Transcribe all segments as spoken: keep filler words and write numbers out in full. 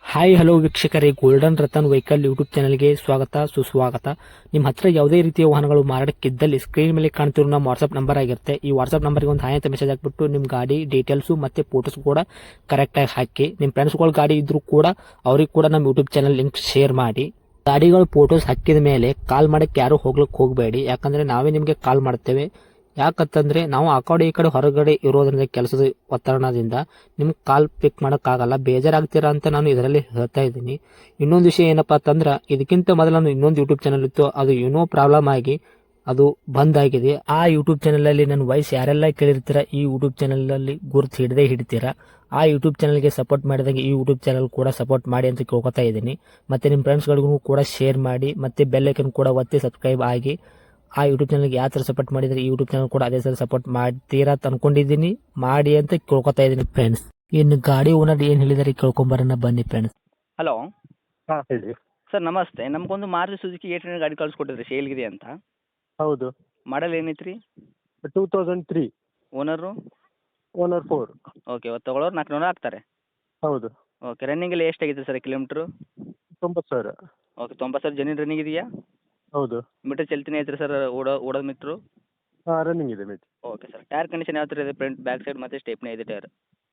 Hi hello ವೀಕ್ಷಕರೇ, golden Ratan vehicle YouTube ಚಾನಲ್ಗೆ ಸ್ವಾಗತ ಸುಸ್ವಾಗತ. ನಿಮ್ಮ ಹತ್ರ ಯಾವುದೇ ರೀತಿಯ ವಾಹನಗಳು ಮಾರಾಟಕ್ಕಿದ್ದಲ್ಲಿ ಸ್ಕ್ರೀನ್ ಮೇಲೆ ಕಾಣ್ತಿರೋ ನಮ್ಮ ವಾಟ್ಸ್ಆಪ್ ನಂಬರ್ ಆಗಿರುತ್ತೆ. ಈ ವಾಟ್ಸ್ಆಪ್ ನಂಬರ್ಗೆ ಒಂದು ಹಾಯ್ ಅಂತ ಮೆಸೇಜ್ ಹಾಕ್ಬಿಟ್ಟು ನಿಮ್ಮ ಗಾಡಿ ಡೀಟೇಲ್ಸು ಮತ್ತೆ ಫೋಟೋಸ್ ಕೂಡ ಕರೆಕ್ಟಾಗಿ ಹಾಕಿ. ನಿಮ್ಮ ಫ್ರೆಂಡ್ಸ್ಗಳ ಗಾಡಿ ಇದ್ರೂ ಕೂಡ ಅವ್ರಿಗೆ ಕೂಡ ನಮ್ಮ ಯೂಟ್ಯೂಬ್ ಚಾನಲ್ ಲಿಂಕ್ ಶೇರ್ ಮಾಡಿ. ಗಾಡಿಗಳು ಫೋಟೋಸ್ ಹಾಕಿದ ಮೇಲೆ ಕಾಲ್ ಮಾಡಕ್ಕೆ ಯಾರು ಹೋಗ್ಲಿಕ್ಕೆ ಹೋಗಬೇಡಿ, ಯಾಕಂದ್ರೆ ನಾವೇ ನಿಮಗೆ ಕಾಲ್ ಮಾಡ್ತೇವೆ. ಯಾಕಂತಂದ್ರೆ ನಾವು ಆ ಕಡೆ ಈ ಕಡೆ ಹೊರಗಡೆ ಇರೋದ್ರಿಂದ ಕೆಲಸದ ಒತ್ತಡದಿಂದ ನಿಮ್ಗೆ ಕಾಲ್ ಪಿಕ್ ಮಾಡೋಕ್ಕಾಗಲ್ಲ, ಬೇಜಾರಾಗ್ತೀರಾ ಅಂತ ನಾನು ಇದರಲ್ಲಿ ಹೇಳ್ತಾ ಇದ್ದೀನಿ. ಇನ್ನೊಂದು ವಿಷಯ ಏನಪ್ಪಾ ಅಂತಂದ್ರೆ, ಇದಕ್ಕಿಂತ ಮೊದಲು ನಾನು ಇನ್ನೊಂದು ಯೂಟ್ಯೂಬ್ ಚಾನಲ್ ಇತ್ತು, ಅದು ಏನೋ ಪ್ರಾಬ್ಲಮ್ ಆಗಿ ಅದು ಬಂದ್ ಆಗಿದೆ. ಆ ಯೂಟ್ಯೂಬ್ ಚಾನಲ್ ಅಲ್ಲಿ ನನ್ನ ವಾಯ್ಸ್ ಯಾರೆಲ್ಲ ಕೇಳಿರ್ತೀರಾ, ಈ ಯೂಟ್ಯೂಬ್ ಚಾನಲ್ ಅಲ್ಲಿ ಗುರುತು ಹಿಡದೆ ಹಿಡಿತೀರಾ. ಆ ಯೂಟ್ಯೂಬ್ ಚಾನಲ್ಗೆ ಸಪೋರ್ಟ್ ಮಾಡಿದಾಗ ಈ ಯೂಟ್ಯೂಬ್ ಚಾನಲ್ ಕೂಡ ಸಪೋರ್ಟ್ ಮಾಡಿ ಅಂತ ಕೇಳ್ಕೊತಾ ಇದ್ದೀನಿ. ಮತ್ತೆ ನಿಮ್ಮ ಫ್ರೆಂಡ್ಸ್ಗಳಿಗೂ ಕೂಡ ಶೇರ್ ಮಾಡಿ, ಮತ್ತೆ ಬೆಲ್ ಐಕನ್ ಕೂಡ ಒತ್ತಿ ಸಬ್ಸ್ಕ್ರೈಬ್ ಆಗಿ. ಆ ಯೂಟ್ಯೂಬ್ ಚಾನಲ್ಗೆ ಯಾವ ಥರ ಸಪೋರ್ಟ್ ಮಾಡಿದ್ರೆ ಈ ಯೂಟ್ಯೂಬ್ ಚಾನಲ್ ಕೂಡ ಅದೇ ಥರ ಸಪೋರ್ಟ್ ಮಾಡ್ತೀರಾ ಅಂತ ಅನ್ಕೊಂಡಿದ್ದೀನಿ. ಮಾಡಿ ಅಂತ ಕೇಳ್ಕೊತಾ ಇದ್ದೀನಿ ಫ್ರೆಂಡ್ಸ್. ಇನ್ನು ಗಾಡಿ ಓನರ್ ಏನು ಹೇಳಿದಾರೆ ಕೇಳ್ಕೊಂಬರೋಣ ಬನ್ನಿ ಫ್ರೆಂಡ್ಸ್. ಹಲೋ ಹಾಂ ಹೇಳಿ. ಸರ್ ನಮಸ್ತೆ. ನಮಗೊಂದು ಮಾರುತಿ ಸುಜುಕಿ ಏಟ್ ಹಂಡ್ರೆಡ್ ಗಾಡಿ ಕಳಿಸ್ಕೊಟ್ಟಿದ್ರಿ ಸೇಲ್ಗಿದೆ ಅಂತ. ಹೌದು. ಮಾಡಲ್ ಏನೈತೆ ರೀ? Two thousand three. Owner? Owner four. Okay, ಇವತ್ತು ತೊಗೊಳೋರು ನಾಲ್ಕು ನೂರು ಆಗ್ತಾರೆ. ಹೌದು. ಓಕೆ, ರನ್ನಿಂಗಲ್ಲಿ ಎಷ್ಟಾಗಿದೆ ಸರ್ ಕಿಲೋಮೀಟ್ರು? ತೊಂಬತ್ತು ಸಾವಿರ. ಓಕೆ, ತೊಂಬತ್ತು ಸಾವಿರ ಜನಿನ್ ರನ್ನಿಂಗ್ ಇದೆಯಾ? ಹೌದು. ಮೀಟರ್ ಚಲ್ತಿನೇ ಐತ್ರಿ ಸರ್, ಓಡೋ ಓಡೋದು ಮೀಟ್ರು? ಹಾಂ ರನ್ನಿಂಗ್ ಇದೆ ಮೇಟ್. ಓಕೆ ಸರ್, ಟೈರ್ ಕಂಡೀಷನ್ ಯಾವ ಥರ ಇದೆ? ಫ್ರಂಟ್ ಬ್ಯಾಕ್ ಸೈಡ್ ಮತ್ತು ಸ್ಟೆಪ್ನಿ ಇದೆ ಟೈರ್?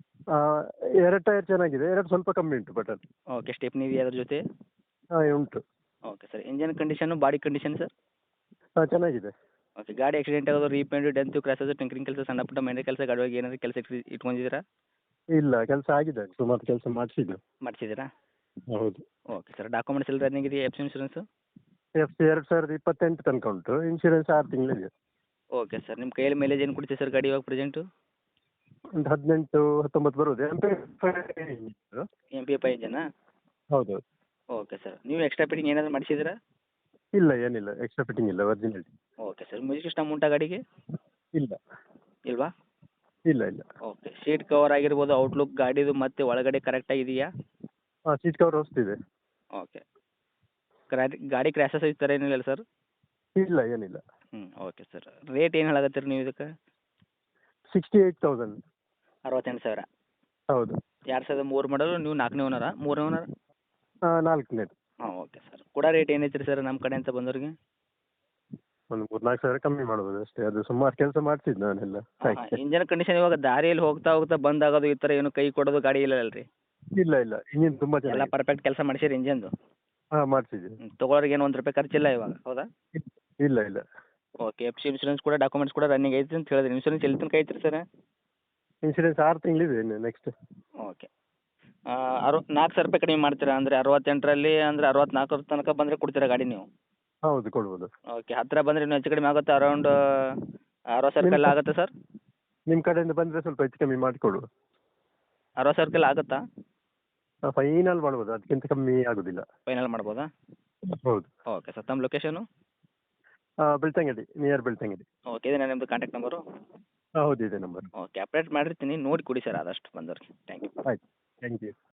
ಎರಡು ಟೈರ್ ಚೆನ್ನಾಗಿದೆ, ಎರಡು ಸ್ವಲ್ಪ ಕಮ್ಮಿ ಉಂಟು ಬಟ್ ಅದು. ಓಕೆ, ಸ್ಟೆಪ್ನಿ ಇದೆಯಾ ಅದ್ರ ಜೊತೆ? ಹಾಂ ಉಂಟು. Okay sir, engine condition body condition sir? ಹಾಂ ಚೆನ್ನಾಗಿದೆ. ಓಕೆ, ಗಾಡಿ ಆಕ್ಸಿಡೆಂಟ್ ಆಗೋದು, ರೀಪೇಂಟು, ಡೆಂತು, ಕ್ರಾಸಸ್, ಟಿಂಕರಿಂಗ್ ಕೆಲಸ, ಸಣ್ಣ ಪುಟ್ಟ ಮನೆ ಕೆಲಸ, ಗಾಡಿಯಾಗಿ ಏನಾದರೂ ಕೆಲಸ ಇಟ್ಟು ಇಟ್ಕೊಂಡಿದ್ದೀರಾ? ಇಲ್ಲ, ಕೆಲಸ ಆಗಿದೆ, ಸುಮಾರು ಕೆಲಸ ಮಾಡಿಸಿದ್ದು. ಮಾಡಿಸಿದ್ದೀರಾ? ಹೌದು. ಓಕೆ ಸರ್, ಡಾಕ್ಯುಮೆಂಟ್ಸ್ ಎಲ್ಲ ರನ್ನಿಂಗ್ ಇದೆಯಾ? F C insurance? F C ಎರಡು ಸಾವಿರದ ಇಪ್ಪತ್ತೆಂಟು ತನಕ ಉಂಟು, ಇನ್ಶೂರೆನ್ಸ್ ಆರು ತಿಂಗಳಿದೆ. ಓಕೆ ಸರ್, ನಿಮ್ಮ ಕೈಯಲ್ಲಿ ಮೈಲೇಜ್ ಏನು ಕೊಡ್ತೀವಿ ಸರ್ ಗಾಡಿ ಇವಾಗ ಪ್ರೆಸೆಂಟು? ಒಂದು ಹದಿನೆಂಟು ಹತ್ತೊಂಬತ್ತು ಬರುವುದು. M P M P F ಇಂಜನಾ? ಹೌದು. ಓಕೆ ಸರ್, ನೀವು ಎಕ್ಸ್ಟ್ರಾ ಫಿಟ್ಟಿಂಗ್ ಏನಾದರೂ ಮಾಡಿಸಿದ್ದೀರಾ? ಇಲ್ಲ ಏನಿಲ್ಲ, ಎಕ್ಸ್ಟ್ರಾ ಫಿಟ್ಟಿಂಗ್ ಇಲ್ಲ, original. Okay sir, music system ಉಂಟಾ ಗಾಡಿಗೆ? ಇಲ್ಲ. ಇಲ್ವಾ? ಇಲ್ಲ ಇಲ್ಲ. ಓಕೆ, ಸೀಟ್ ಕವರ್ ಆಗಿರ್ಬೋದು, ಔಟ್ಲುಕ್ ಗಾಡಿದು ಮತ್ತೆ ಒಳಗಡೆ ಕರೆಕ್ಟಾಗಿದೆಯಾ? ಹಾಂ ಸೀಟ್ ಕವರ್ ಹೊಸ್ತಿದೆ. ಓಕೆ, ಗಾಡಿ ಗಾಡಿ ಕ್ರ್ಯಾಶಸ್ ಈ ಥರ ಏನಿಲ್ಲ ಸರ್? ಇಲ್ಲ ಏನಿಲ್ಲ. ಹ್ಞೂ ಓಕೆ ಸರ್, ರೇಟ್ ಏನು ಹೇಳಕತ್ತೀರಿ ನೀವು ಇದಕ್ಕೆ? Sixty eight thousand. ಅರವತ್ತೆಂಟು ಸಾವಿರ. ಹೌದು. ಎರಡು ಸಾವಿರದ ಮೂರು ಮಾಡಲು, ನೀವು ನಾಲ್ಕನೇ ಓನರಾ ಮೂರನೇ ಓನರ್? ಹಾಂ ನಾಲ್ಕನೇದು. ಹಾಂ ಓಕೆ ಸರ್, ಕೂಡ ರೇಟ್ ಏನೈತೆ ರೀ ಸರ್ ನಮ್ಮ ಕಡೆ ಅಂತ ಬಂದವ್ರಿಗೆ? ಒಂದು ಮೂರ್ನಾಲ್ಕು ಸಾವಿರ ಕಮ್ಮಿ ಮಾಡ್ಬೋದು ಅಷ್ಟೇ, ಅದು ಸುಮಾರು ಕೆಲಸ ಮಾಡ್ತಿದ್ದು ನಾನೆಲ್ಲ. ಹಾಂ, ಇಂಜನ್ ಕಂಡೀಷನ್ ಇವಾಗ ದಾರಿಯಲ್ಲಿ ಹೋಗ್ತಾ ಹೋಗ್ತಾ ಬಂದ್ ಆಗೋದು ಈ ಥರ ಏನು ಕೈ ಕೊಡೋದು ಗಾಡಿ ಇಲ್ಲ ಅಲ್ರಿ? ಇಲ್ಲ ಇಲ್ಲ, ಇಂಜಿನ್ ತುಂಬ ಎಲ್ಲ ಚೆನ್ನಾಗಿ. ಪರ್ಫೆಕ್ಟ್ ಕೆಲಸ ಮಾಡಿಸಿರಿ ಇಂಜನ್ದು? ಹಾಂ ಮಾಡಿಸಿದ್ದೀವಿ. ತೊಗೊಳೋರಿಗೆ ಏನು ಒಂದು ರೂಪಾಯಿ ಖರ್ಚಿಲ್ಲ ಇವಾಗ, ಹೌದಾ? ಇಲ್ಲ ಇಲ್ಲ. ಓಕೆ, ಎಫ್ ಸಿ ಇನ್ಶೂರೆನ್ಸ್ ಕೂಡ ಡಾಕ್ಯುಮೆಂಟ್ಸ್ ಕೂಡ ರನ್ನಿಂಗ್ ಐತಿ ಅಂತ ಹೇಳಿದ್ರಿ. ಇನ್ಶೂರೆನ್ಸ್ ಎಲ್ಲಿ ತನಕ ಐತ್ರಿ ಸರ್? ಇನ್ಶೂರೆನ್ಸ್ ಆರು ತಿಂಗಳಿದೆ ಇನ್ನು ನೆಕ್ಸ್ಟ್. ಓಕೆ, ಅರು ನಾಲ್ಕು ಸಾವಿರ ರೂಪಾಯಿ ಕಡಿಮೆ ಮಾಡ್ತೀರಾ ಅಂದರೆ ಅರವತ್ತೆಂಟರಲ್ಲಿ ಅಂದರೆ ಅರವತ್ನಾಲ್ಕರ ತನಕ ಬಂದರೆ ಕೊಡ್ತೀರಾ ಗಾಡಿ ನೀವು? ಹೌದು ಕೊಡ್ಬೋದು. ಓಕೆ, ಹತ್ತಿರ ಬಂದರೆ ಇನ್ನೂ ಹೆಚ್ಚು ಕಡಿಮೆ ಆಗುತ್ತೆ, ಅರೌಂಡ್ ಅರವತ್ತು ಸಾವಿರ ರೂಪಾಯಿ ಎಲ್ಲ ಆಗುತ್ತೆ ಸರ್? ನಿಮ್ಮ ಕಡೆಯಿಂದ ಬಂದರೆ ಸ್ವಲ್ಪ ಹೆಚ್ಚು ಕಮ್ಮಿ ಮಾಡಿಕೊಡುವ. ಅರವತ್ತು ಸಾವಿರ ರೂಪಾಯಿ ಎಲ್ಲ ಆಗುತ್ತಾ? ಫೈನಲ್ ಮಾಡ್ಬೋದು, ಅದಕ್ಕಿಂತ ಕಮ್ಮಿ ಆಗೋದಿಲ್ಲ. ಫೈನಲ್ ಮಾಡ್ಬೋದಾ? ಹೌದು. ಓಕೆ ಸರ್, ತಮ್ಮ location? Belthangady, near Belthangady. Okay, ಇದೇನಾ ನಿಮ್ಮದು ಕಾಂಟ್ಯಾಕ್ಟ್ ನಂಬರು? ಹಾಂ ಹೌದು ಇದೆ ನಂಬರ್. ಓಕೆ, ಅಪ್ಡೇಟ್ ಮಾಡಿರ್ತೀನಿ, ನೋಡಿ ಕೊಡಿ ಸರ್ ಆದಷ್ಟು ಬಂದವ್ರಿಗೆ. Thank you. ಆಯ್ತು, ಥ್ಯಾಂಕ್ ಯು.